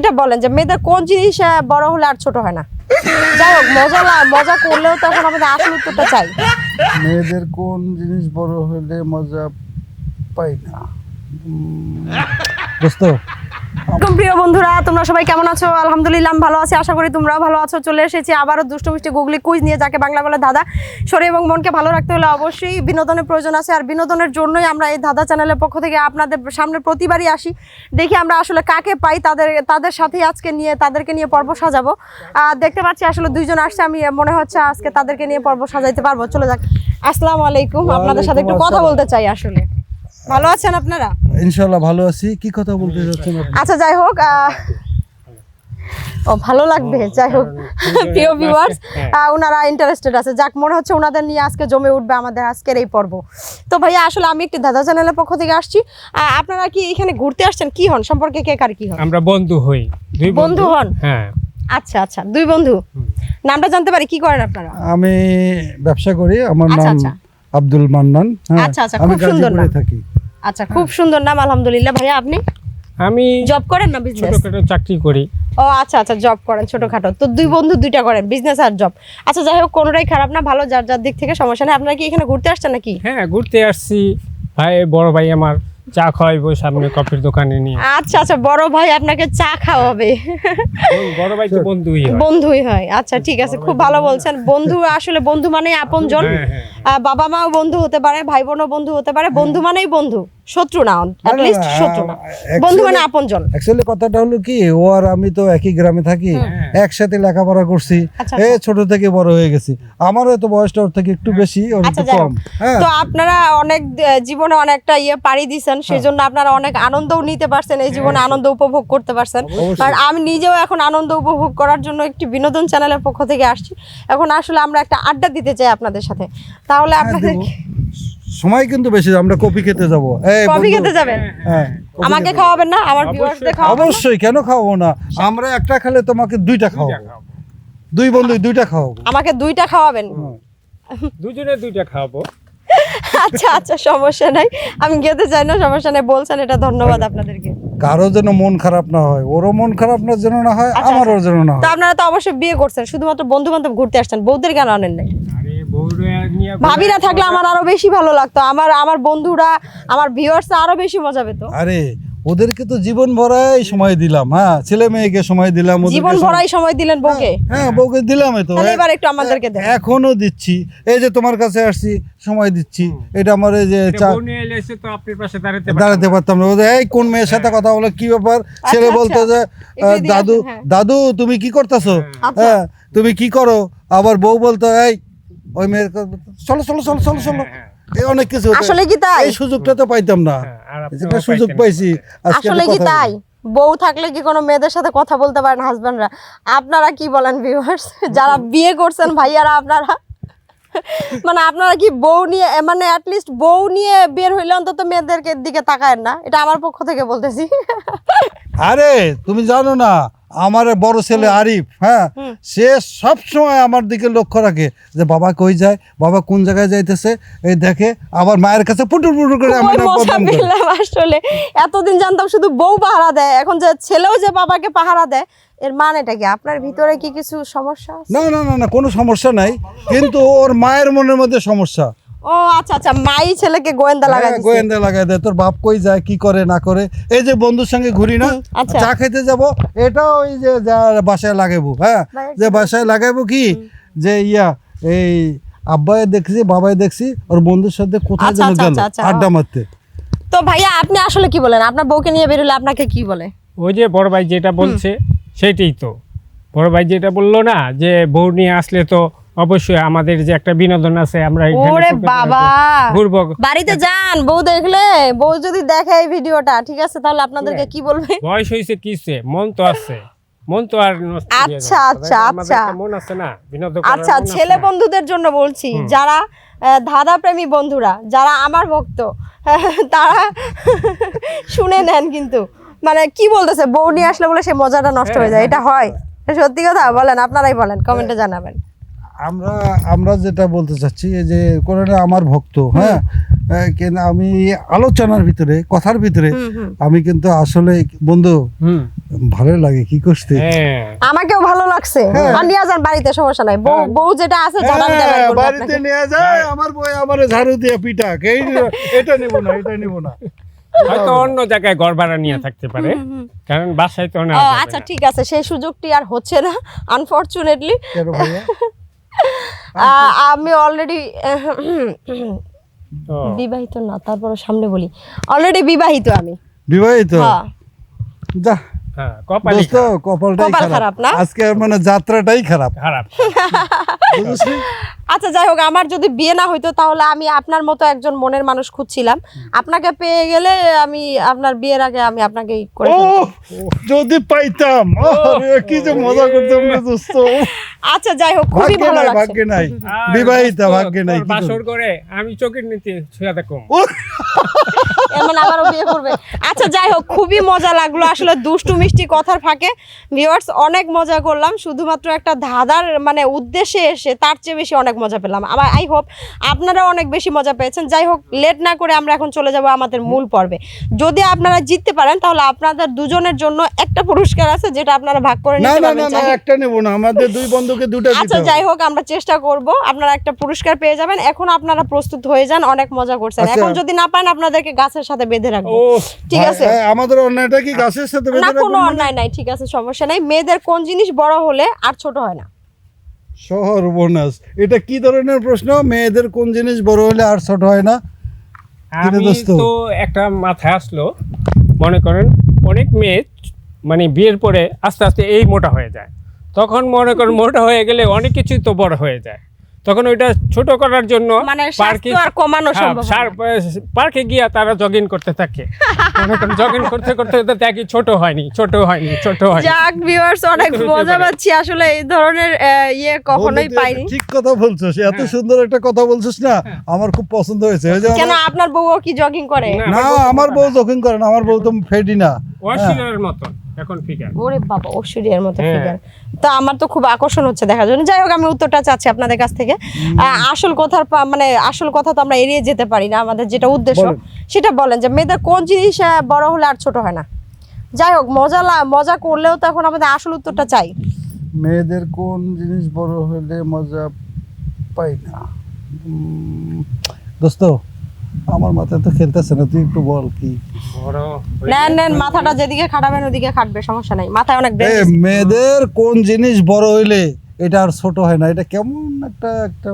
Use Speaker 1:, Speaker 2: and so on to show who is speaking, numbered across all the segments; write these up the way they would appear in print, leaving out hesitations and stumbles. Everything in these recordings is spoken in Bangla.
Speaker 1: এটা বলেন যে মেয়েদের কোন জিনিস বড় হলে আর ছোট হয় না? যাই হোক, মজা করলেও তো এখন আমাদের আসল উত্তরটা চাই।
Speaker 2: মেয়েদের কোন জিনিস বড় হলে মজা পাই না? দোস্ত,
Speaker 1: প্রিয় বন্ধুরা, তোমরা সবাই কেমন আছো? আলহামদুলিল্লাহ আমি ভালো আছি, আশা করি তোমরাও ভালো আছো। চলে এসেছি আবারও দুষ্ট মিষ্টি গুগলি কুইজ নিয়ে, যাকে বাংলা বলে ধাঁধা। শরীর এবং মনকে ভালো রাখতে হলে অবশ্যই বিনোদনের প্রয়োজন আছে, আর বিনোদনের জন্যই আমরা এই ধাঁধা চ্যানেলের পক্ষ থেকে আপনাদের সামনে প্রতিবারই আসি। দেখি আমরা আসলে কাকে পাই, তাদের সাথেই আজকে তাদেরকে নিয়ে পর্ব সাজাবো। দেখতে পাচ্ছি আসলে দুইজন আসছে, আমি মনে হচ্ছে আজকে তাদেরকে নিয়ে পর্ব সাজাইতে পারবো। চলে যাক। আসসালামু আলাইকুম, আপনাদের সাথে একটু কথা বলতে চাই। আসলে ভালো আছেন আপনারা?
Speaker 2: ইনশাআল্লাহ ভালো আছি। কি কথা বলতে যাচ্ছেন আপনি?
Speaker 1: আচ্ছা, যাই হোক, ভালো লাগবে। যাই হোক, প্রিয় ভিউয়ার্স, ওনারা ইন্টারেস্টেড আছে। যাক, মনে হচ্ছে ওনাদের নিয়ে আজকে জমে উঠবে আমাদের আজকের এই পর্ব। তো ভাইয়া, আসলে আমি একটি ধাঁধা চ্যানেলের পক্ষ থেকে আসছি। আপনারা কি এখানে ঘুরতে আসছেন? কি হন সম্পর্কে, কে কার কি হন?
Speaker 3: আমরা বন্ধু হই। দুই
Speaker 1: বন্ধু হন?
Speaker 3: হ্যাঁ।
Speaker 1: আচ্ছা আচ্ছা, দুই বন্ধু। নামটা জানতে পারি? কি করেন আপনারা?
Speaker 2: আমি ব্যবসা করি, আমার
Speaker 1: আচ্ছা,
Speaker 2: নাম
Speaker 1: আচ্ছা।
Speaker 2: আব্দুল মান্নান।
Speaker 1: আচ্ছা আচ্ছা,
Speaker 2: আমি
Speaker 1: খুব সুন্দর
Speaker 2: গাজীপুরে
Speaker 1: নাম।
Speaker 2: থাকি।
Speaker 1: আচ্ছা, খুব সুন্দর নাম, আলহামদুলিল্লাহ। ভাইয়া, আপনি
Speaker 3: আমি
Speaker 1: জব করেন না বিজনেস?
Speaker 3: ছোটখাটো চাকরি করি।
Speaker 1: ও আচ্ছা আচ্ছা, জব করেন ছোটখাটো। তো দুই বন্ধু দুইটা করেন, বিজনেস আর জব। আচ্ছা, যাই হোক, কোনোটাই খারাপ না, ভালো, যার যার দিক থেকে, সমস্যা নেই। আপনারা কি এখানে ঘুরতে আসছেন নাকি?
Speaker 3: হ্যাঁ, ঘুরতে আসছি। বড় ভাই আমার চা খাওয়াইবো সামনে কফির দোকানে নিয়ে।
Speaker 1: আচ্ছা আচ্ছা, বড় ভাই আপনাকে চা খাওয়াবে?
Speaker 3: বড় ভাই তো বন্ধুই হয়।
Speaker 1: বন্ধুই হয়। আচ্ছা, ঠিক আছে, খুব ভালো বলছেন। বন্ধু, আসলে বন্ধু মানে আপনজন। বাবা মাও বন্ধু হতে পারে, ভাই বোনও বন্ধু হতে পারে। বন্ধু মানেই বন্ধু, শত্রু না, অ্যাট লিস্ট শত্রু না। বন্ধু মানে আপনজন।
Speaker 2: অ্যাকচুয়ালি কথাটা হলো কি, ও আর আমি তো একই গ্রামে থাকি, একসাথে লেখাপড়া করছি,
Speaker 1: আচ্ছা,
Speaker 2: ছোট থেকে বড় হয়ে গেছি। আমারও তো বয়সটা ওর থেকে একটু বেশি, ওর
Speaker 1: আচ্ছা,
Speaker 2: একটু
Speaker 1: যাই
Speaker 2: কম।
Speaker 1: হোক,
Speaker 2: হ্যাঁ,
Speaker 1: তো আপনারা অনেক জীবনে অনেকটা পাড়ি দিচ্ছেন, সেই জন্য আপনারা অনেক আনন্দও নিতে পারছেন, এই জীবনে আনন্দ উপভোগ করতে পারছেন। আর আমি নিজেও এখন আনন্দ উপভোগ করার জন্য একটি বিনোদন চ্যানেলের পক্ষ থেকে আসছি। এখন আসলে আমরা একটা আড্ডা দিতে চাই আপনাদের সাথে। তাহলে আপনাদের
Speaker 2: সময় কিন্তু বেশি, আমরা কফি খেতে যাবো।
Speaker 1: কফি খেতে যাবেন?
Speaker 2: হ্যাঁ,
Speaker 1: আমাকে খাওয়াবেন না? আমার ভিউয়ার্সদের খাওয়াবেন না?
Speaker 2: অবশ্যই, কেন খাওয়াবো না? আমরা একটা খেলে তোমাকে দুইটা খাওয়াবো, দুই বন্ধু দুইটা খাওয়াবো।
Speaker 1: আমাকে দুইটা খাওয়াবেন?
Speaker 3: দুজনে দুইটা খাওয়াবো।
Speaker 1: আচ্ছা আচ্ছা, সমস্যা নাই, আমি খেতে চাই না, সমস্যা নেই, বলছেন, এটা ধন্যবাদ আপনাদেরকে।
Speaker 2: কারো যেন মন খারাপ না হয়, ওরও মন খারাপ না যেন না হয়,
Speaker 1: আচ্ছা,
Speaker 2: আমারও যেন না
Speaker 1: তো
Speaker 2: হয়।
Speaker 1: আপনারা তো অবশ্যই বিয়ে করছেন, শুধুমাত্র বন্ধু বান্ধব ঘুরতে আসছেন, বউদের কেন আনেন নাই?
Speaker 3: আরে বউরা নিয়ে
Speaker 1: ভাবিরা থাকলে আমার আরো বেশি ভালো লাগতো, আমার বন্ধুরা, আমার ভিউয়ার্সরা আরো বেশি মজা পেত।
Speaker 2: আরে ওদেরকে তো জীবন ভরাই সময় দিলাম। হ্যাঁ, ছেলে মেয়েকে সময় দিলাম, ওদেরকে
Speaker 1: জীবন ভরাই সময় দিলেন বউকে?
Speaker 2: হ্যাঁ, বউকে দিলামই তো।
Speaker 1: তাহলে এবার একটু আমাদেরকে দেন।
Speaker 2: এখনো দিচ্ছি, এই যে তোমার কাছে আসছি, সময় দিচ্ছি। এটা আমার এই যে
Speaker 3: বউ নিয়ে এলে এসে তো আপনার পাশে
Speaker 2: দাঁড়াতে পারতাম না। ওদের এই কোন মেয়ের সাথে কথা বলে, কি ব্যাপার? ছেলে
Speaker 1: আচ্ছা,
Speaker 2: বলতো যে
Speaker 1: একটু এদিকে
Speaker 2: দাদু
Speaker 1: আসেন, হ্যাঁ।
Speaker 2: দাদু তুমি কি করতেছো?
Speaker 1: আচ্ছা।
Speaker 2: হ্যাঁ, তুমি কি করো? আবার বউ বলতো এই ওই মেয়ের চলো চলো চলো চলো চলো, এই অনেক কিছু হতো।
Speaker 1: আসলে কি তাই?
Speaker 2: এই সুযোগটা তো পাইতাম না, যেটা সুযোগ পাইছি আজকে।
Speaker 1: আসলে কি তাই? বউ থাকলে কি কোনো মেয়েদের সাথে কথা বলতে পারেন হাজবেন্ডরা? আপনারা কি বলেন ভিউয়ার্স, যারা বিয়ে করছেন ভাইয়ারা, আপনারা মানে আপনারা কি বউ নিয়ে, মানে অ্যাটলিস্ট বউ নিয়ে বের হইলে অন্তত মেয়েদেরকে দিকে তাকায়েন না? এটা আমার পক্ষ থেকে বলতেছি।
Speaker 2: আরে তুমি জানো না, আমার বড় ছেলে আরিফ, হ্যাঁ, সে সব সময় আমার দিকে লক্ষ্য রাখে যে বাবা কই যায়, বাবা কোন জায়গায় যাইতেছে, এই দেখে। আবার মায়ের কাছে পুটুর পুটুর করে আমার নাম বদনাম করে।
Speaker 1: আসলে এতদিন জানতাম শুধু বউ পাহারা দেয়, এখন যে ছেলেও যে বাবাকে পাহারা দেয়, এর মানেটা কি? আপনার ভিতরে কি কিছু সমস্যা আছে?
Speaker 2: না না না না, কোনো সমস্যা নাই, কিন্তু ওর মায়ের মনের মধ্যে সমস্যা।
Speaker 1: ও আচ্ছা আচ্ছা, মাই ছেলেকে গোয়েন্দা লাগাই
Speaker 2: হ্যাঁ,
Speaker 1: দিছে।
Speaker 2: গোয়েন্দা লাগাই দেয়, তোর বাপ কই যায়, কি করে না করে। এই যে বন্ধুর সঙ্গে ঘুরি না,
Speaker 1: আচ্ছা।
Speaker 2: চা খেতে যাব, এটাও ওই যে বাসায় লাগাবো। হ্যাঁ, যে বাসায় লাগাবো কি, যে এই আব্বাই দেখছি, বাবাই দেখছি, ওর বন্ধুর সাথে কোথায়
Speaker 1: আচ্ছা,
Speaker 2: যেন
Speaker 1: আচ্ছা,
Speaker 2: গেল
Speaker 1: আচ্ছা,
Speaker 2: আড্ডা মারতে।
Speaker 1: তো ভাইয়া, আপনি আসলে কি বলেন? আপনার বউকে নিয়ে বেরোলে আপনাকে কি বলে?
Speaker 3: ওই যে বড় ভাই যেটা বলছে সেটাই তো। বড় ভাই যেটা বললো না, যে বউ নিয়ে আসলে তো অবশ্যই আমাদের যে একটা বিনোদন আছে, আমরা
Speaker 1: ওরে বাবা,
Speaker 3: ঘুরবো।
Speaker 1: বাড়িতে যান, বউ দেখলে, বউ যদি দেখে এই ভিডিওটা, ঠিক আছে, তাহলে আপনাদেরকে কি বলবে?
Speaker 3: বয়স হয়েছে কিসে, মন তো আছে, মন তো আর নষ্ট হয়ে যাবে।
Speaker 1: আচ্ছা আচ্ছা
Speaker 3: আমাদের
Speaker 1: আচ্ছা
Speaker 3: একটা মন আছে না, বিনোদন করার
Speaker 1: আচ্ছা,
Speaker 3: মন আছে
Speaker 1: ছেলে
Speaker 3: না।
Speaker 1: বন্ধুদের জন্য বলছি, যারা ধাঁধা প্রেমী বন্ধুরা, যারা আমার ভক্ত, তারা শুনে নেন। কিন্তু মানে কি বলতেছে, বউ নিয়ে আসলে বলে সে মজাটা নষ্ট হয়ে যায়, এটা হয়? সত্যি কথা বলেন, আপনারাই বলেন, কমেন্টে জানাবেন।
Speaker 2: আমরা যেটা বলতে চাচ্ছি, এই যে কোরআনে আমার ভক্ত, হ্যাঁ, কিন্তু আমি আলোচনার ভিতরে কথার ভিতরে আমি কিন্তু আসলে বন্ধু ভালো লাগে কি করতে।
Speaker 3: হ্যাঁ
Speaker 1: আমাকেও ভালো লাগছে। আর নিয়ে যান বাড়িতে, সমস্যা নাই। বউ বউ যেটা আছে ঝাড়া দিতে পারবে না
Speaker 2: বাড়িতে
Speaker 1: আপনাকে।
Speaker 2: নিয়ে যায় আমার বই আমারে ঝাড়ু দিয়ে পিটাক, এই এটা নেব না এটা নেব না।
Speaker 3: হয়তো অন্য জায়গায় ঘর ভাড়া নিয়ে থাকতে পারে, কারণ বাসায় তো না।
Speaker 1: আচ্ছা ঠিক আছে, সেই সুযোগটি আর হচ্ছে না আনফরচুনেটলি।
Speaker 2: কেন ভাইয়া?
Speaker 1: আমি অলরেডি বিবাহিত না, তারপরে সামনে বলি অলরেডি বিবাহিত আমি।
Speaker 2: বিবাহিত?
Speaker 1: হ্যাঁ।
Speaker 2: যা
Speaker 3: হ্যাঁ, কপালই
Speaker 2: দোস্ত কপালটাই
Speaker 1: কপাল খারাপ
Speaker 2: খারাপ
Speaker 1: না?
Speaker 2: আজকে, মানে যাত্রাটাই খারাপ
Speaker 3: খারাপ।
Speaker 2: বুঝলি?
Speaker 1: আচ্ছা যাই হোক, আমার যদি বিয়ে না হইতো তাহলে আমি আপনার মতো একজন মনের মানুষ খুঁজছিলাম। আপনাকে পেয়ে গেলে আমি আপনার বিয়ের আগে আমি আপনাকে করে
Speaker 2: ও
Speaker 1: ফেলবো।
Speaker 2: যদি পাইতাম, আরে কি যে মজা করতাম রে দোস্ত।
Speaker 1: আচ্ছা যাই হোক, খুবই
Speaker 2: ভাগ্যে
Speaker 1: ভালো
Speaker 2: নাই,
Speaker 1: লাগছে।
Speaker 2: ভাগ্যে নাই,
Speaker 3: আর
Speaker 2: বিবাহিতা
Speaker 3: দোস্ত,
Speaker 2: ভাগ্যে নাই।
Speaker 3: তোর বাসর করে আমি চোখের নিচে শুয়ে থাকুম।
Speaker 1: এমন আবারও বিয়ে করবে। আচ্ছা যাই হোক, খুবই মজা লাগলো আসলে দুষ্টু মিষ্টি কথার ফাঁকে। ভিউয়ার্স, অনেক মজা করলাম, শুধুমাত্র একটা ধাঁধার মানে উদ্দেশ্যে এসে তার চেয়ে বেশি অনেক মজা পেলাম। আমার আই হোপ আপনারা অনেক বেশি মজা পেয়েছেন। যাই হোক, লেট না করে আমরা এখন চলে যাব আমাদের মূল পর্বে। যদি আপনারা জিততে পারেন তাহলে আপনাদের দুজনের জন্য একটা পুরস্কার আছে, যেটা আপনারা ভাগ করে
Speaker 2: না
Speaker 1: নিতে
Speaker 2: না
Speaker 1: পারবেন
Speaker 2: না না,
Speaker 1: চাইলে।
Speaker 2: একটা নেব না, আমাদের দুই বন্ধুকে দুটো দিতে
Speaker 1: আচ্ছা
Speaker 2: হবে।
Speaker 1: যাই হোক, আমরা চেষ্টা করব, আপনারা একটা পুরস্কার পেয়ে যাবেন। এখন আপনারা প্রস্তুত হয়ে যান, অনেক মজা করছেন।
Speaker 2: আচ্ছা।
Speaker 1: এখন যদি না পান আপনাদেরকে গাছের সাথে বেঁধে রাখবো।
Speaker 3: ও
Speaker 1: ঠিক আছে?
Speaker 2: আমাদের অন্যায়টা কি গাছের সাথে বেঁধে
Speaker 1: না,
Speaker 2: রাখবেন
Speaker 1: কোনো
Speaker 2: মানে?
Speaker 1: অন্যায় নাই, ঠিক আছে, সমস্যা নাই। মেয়েদের কোন জিনিস বড় হলে আর ছোট হয় না?
Speaker 2: শহর বোনাস, এটা কি ধরনের প্রশ্ন? মেয়েদের কোন জিনিস বড় হলে আর ছোট হয় না?
Speaker 3: আমি
Speaker 2: দোস্ত?
Speaker 3: তো একটা মাথায় আসলো, মনে করেন অনেক মেয়ে মানে বিয়ের পরে আস্তে আস্তে এই মোটা হয়ে যায়, তখন মনে করেন মোটা হয়ে গেলে অনেক কিছুই তো বড় হয়ে যায়, তখন ওইটা ছোট করার জন্য
Speaker 1: মানে
Speaker 3: পার্কে
Speaker 1: স্বাস্থ্য আর কমানো সম্ভব হয় না।
Speaker 3: পার্কে গিয়া তারা জগিং করতে থাকে, মনে করেন জগিং করতে করতে করতে দেখি ছোট হয়নি ছোট হয়নি ছোট হয়নি।
Speaker 1: যাক ভিউয়ার্স, অনেক
Speaker 3: হতে
Speaker 1: মজা
Speaker 3: পারে।
Speaker 1: পাচ্ছি আসলে, এই ধরনের ইয়ে কখনোই
Speaker 2: বন্ধু, তুই
Speaker 1: পাইনি।
Speaker 2: ঠিক কথা বলছিস, এত সুন্দর একটা কথা বলছিস না, আমার খুব পছন্দ হয়েছে। ওই যে
Speaker 1: কেন, আপনার বউও কি জগিং করে?
Speaker 2: না, আমার বউ যখন করে না, আমার বউ তো ফেডি না।
Speaker 3: অশ্লীলের মতন এখন ফিগার।
Speaker 1: ওরে বাবা, ঐশ্বরিয়ার মতো
Speaker 3: হ্যাঁ।
Speaker 1: ফিগার। তো আমার তো খুব আকর্ষণ হচ্ছে দেখার জন্য। যাই হোক, আমি উত্তরটা চাচ্ছি আপনাদের কাছ থেকে। আসল কথার মানে আসল কথা তো আমরা এড়িয়ে যেতে পারি না, আমাদের যেটা উদ্দেশ্য
Speaker 2: বলেন।
Speaker 1: সেটা বলেন, যে মেয়েদের কোন জিনিস বড় হলে আর ছোট হয় না? যাই হোক, মজা করলেও তো এখন আমাদের আসল উত্তরটা চাই।
Speaker 2: মেয়েদের কোন জিনিস বড় হলে মজা পাই না? দোস্ত, আমার মাথায় তো খেলতেছে না, তুই একটু বল কি।
Speaker 3: বড়
Speaker 1: নেন নেন, মাথাটা যেদিকে খাটাবেন ওদিকে খাটবে, সমস্যা নাই, মাথায় অনেক ব্রেন।
Speaker 2: মেয়েদের কোন জিনিস বড় হইলে এটা আর ছোট হয় না? এটা কেমন একটা একটা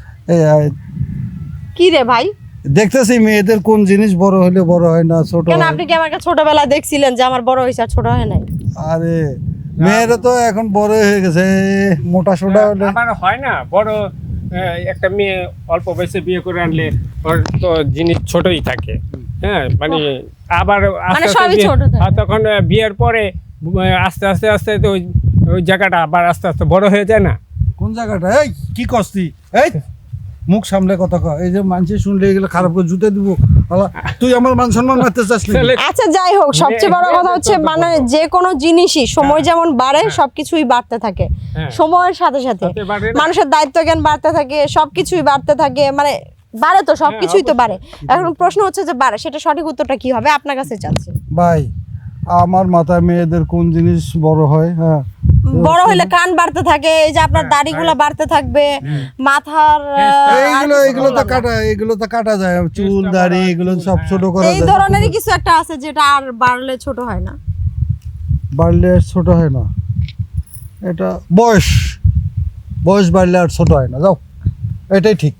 Speaker 1: কি রে ভাই,
Speaker 2: দেখতেছি মেয়েদের কোন জিনিস বড় হইলে বড় হয় না, ছোট
Speaker 1: কেন
Speaker 2: হয়।
Speaker 1: আপনি কি আমাকে ছোটবেলায় দেখছিলেন যে আমার বড় হয়েছে আর ছোট হয় নাই?
Speaker 2: আরে মেয়েরা তো এখন বড় হয়ে গেছে, মোটা সোটা হলে।
Speaker 3: আবার হয় না বড়, একটা মেয়ে অল্প বয়সে বিয়ে করে আনলে ওর তো জিনিস ছোটই থাকে, হ্যাঁ মানে আবার
Speaker 1: মানে
Speaker 3: আস্তে আস্তে
Speaker 1: সবই ছোট থাকে।
Speaker 3: আর তখন বিয়ের পরে আস্তে আস্তে আস্তে তো ওই জায়গাটা আবার আস্তে আস্তে বড় হয়ে যায় না?
Speaker 2: কোন জায়গাটা? এই কি কস্তি, এই মুখ সামলে কথা কয়, এই যে মানুষ শুনলে এগুলো খারাপ করে জুতে দিব। আলা, তুই আমার মান সম্মান মারতে চাস নাকি?
Speaker 3: তাহলে
Speaker 1: আচ্ছা যাই হোক, সবচেয়ে বড় কথা হচ্ছে মানে যে কোনো জিনিসই সময় যেমন বাড়ে সবকিছুই বাড়তে থাকে
Speaker 3: হ্যাঁ।
Speaker 1: সময়ের সাথে সাথে।
Speaker 3: সাথে বাড়ে না?
Speaker 1: মানুষের দায়িত্ব জ্ঞান বাড়তে থাকে, সবকিছুই বাড়তে থাকে, মানে বাড়ে তো, সবকিছুই তো বাড়ে। এখন প্রশ্ন হচ্ছে যে বাড়ে, সেটা সঠিক উত্তরটা কি হবে আপনার কাছে চাচ্ছি।
Speaker 2: ভাই, আমার মাথায় মেয়েদের কোন জিনিস বড় হয়? হ্যাঁ,
Speaker 1: বড় হলে কান বাড়তে থাকে, এই যে আপনার দাড়িগুলো বাড়তে থাকবে, মাথার
Speaker 2: এইগুলো তো কাটা, এগুলো তো কাটা যায়, চুল দাড়ি এগুলো সব ছোট করা
Speaker 1: এই
Speaker 2: যায়।
Speaker 1: ধরনেরই কিছু একটা আছে যেটা আর বাড়লে ছোট হয় না।
Speaker 2: বাড়লে আর ছোট হয় না, এটা বয়স, বয়স বাড়লে আর ছোট হয় না। যাও, এটাই ঠিক,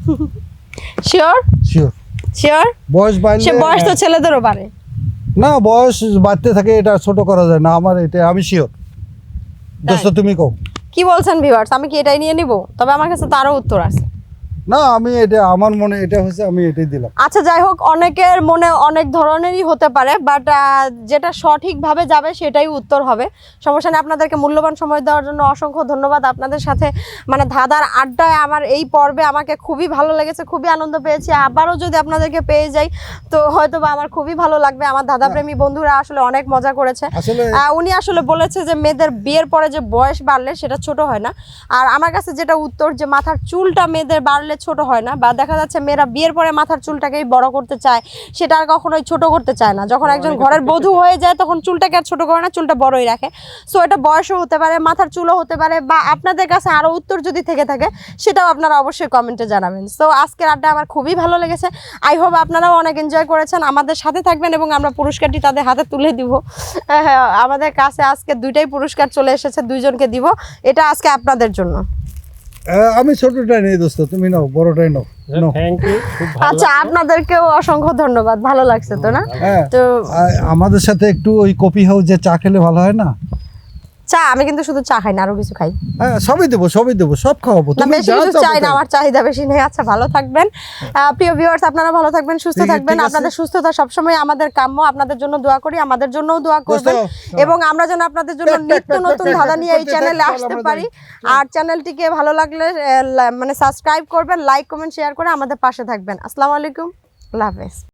Speaker 1: শিওর
Speaker 2: শিওর।
Speaker 1: শিওর,
Speaker 2: বয়স
Speaker 1: সে
Speaker 2: বাড়লে,
Speaker 1: বয়স তো ছেলেদেরও বাড়ে।
Speaker 2: না বয়স বাড়তে থাকে, এটা ছোট করা যায় না, আমার এটা আমি শিওর। দোস্ত তুমি কও।
Speaker 1: কি বলছেন ভিউয়ার্স, আমি কি এটাই নিয়ে নিব? তবে আমার কাছে তো আরো উত্তর আছে।
Speaker 2: না, আমি এটা আমার মনে এটা হচ্ছে, আমি এটাই দিলাম।
Speaker 1: আচ্ছা যাই হোক, অনেকের মনে অনেক ধরনেরই হতে পারে, বাট যেটা সঠিকভাবে যাবে সেটাই উত্তর হবে। সমস্যা নেই, আপনাদেরকে মূল্যবান সময় দেওয়ার জন্য অসংখ্য ধন্যবাদ। আপনাদের সাথে মানে ধাঁধার আড্ডায় আমার এই পর্বে আমাকে খুবই ভালো লেগেছে, খুবই আনন্দ পেয়েছি। আবারও যদি আপনাদেরকে পেয়ে যাই তো হয়তো বা আমার খুবই ভালো লাগবে। আমার ধাঁধাপ্রেমী বন্ধুরা আসলে অনেক মজা করেছে।
Speaker 2: আসলে
Speaker 1: উনি আসলে বলেছে যে মেয়েদের বিয়ের পরে যে বয়স বাড়লে সেটা ছোট হয় না, আর আমার কাছে যেটা উত্তর যে মাথার চুলটা মেয়েদের বাড়লে ছোট হয় না, বা দেখা যাচ্ছে মেয়েরা বিয়ের পরে মাথার চুলটাকেই বড় করতে চায়, সেটা আর কখনোই ছোট করতে চায় না। যখন একজন ঘরের বধূ হয়ে যায় তখন চুলটাকে আর ছোট করে না, চুলটা বড়ই রাখে। সো এটা বয়সও হতে পারে, মাথার চুলও হতে পারে, বা আপনাদের কাছে আরও উত্তর যদি থেকে থাকে সেটাও আপনারা অবশ্যই কমেন্টে জানাবেন। সো আজকের আড্ডা আমার খুবই ভালো লেগেছে, আই হোপ আপনারাও অনেক এনজয় করেছেন। আমাদের সাথে থাকবেন এবং আমরা পুরস্কারটি তাদের হাতে তুলে দিব। হ্যাঁ, আমাদের কাছে আজকে দুইটাই পুরস্কার চলে এসেছে, দুইজনকে দিব। এটা আজকে আপনাদের জন্য।
Speaker 2: আমি ছোটটাই নেই দোস্ত, তুমি নাও, বড়টাই নাও। নাও।
Speaker 3: থ্যাংক ইউ, খুব ভালো
Speaker 1: আচ্ছা, আপনাদেরকেও অসংখ্য ধন্যবাদ, ভালো লাগছে তো না?
Speaker 2: হ্যাঁ,
Speaker 1: তো
Speaker 2: আমাদের সাথে একটু ওই কফি হাউস যে চা খেলে ভালো হয় না?
Speaker 1: চা আমি কিন্তু শুধু চা খাই না, আরো কিছু খাই।
Speaker 2: হ্যাঁ, সবই দেবো, সব খাওয়াবো।
Speaker 1: না,
Speaker 2: তুমি
Speaker 1: বেশি
Speaker 2: যা
Speaker 1: কিছু
Speaker 2: চাও
Speaker 1: চাই না,
Speaker 2: তাই।
Speaker 1: আমার চাহিদা বেশি নেই। আচ্ছা, ভালো থাকবেন প্রিয় ভিউয়ার্স, আপনারা ভালো থাকবেন, সুস্থ
Speaker 2: ঠিক
Speaker 1: থাকবেন।
Speaker 2: আছে।
Speaker 1: আপনাদের সুস্থতা সবসময় আমাদের কাম্য। আপনাদের জন্য দোয়া করি, আমাদের জন্যও দোয়া করবেন,
Speaker 2: দোস্ত,
Speaker 1: এবং আমরা যেন আপনাদের জন্য নিত্য নতুন ধাঁধা নিয়ে এই চ্যানেলে
Speaker 2: চল,
Speaker 1: আসতে
Speaker 2: আমরা
Speaker 1: পারি। আর চ্যানেলটিকে ভালো লাগলে মানে সাবস্ক্রাইব করবেন, লাইক কমেন্ট শেয়ার করে আমাদের পাশে থাকবেন। আসসালামু আলাইকুম, আল্লাহ হাফেজ।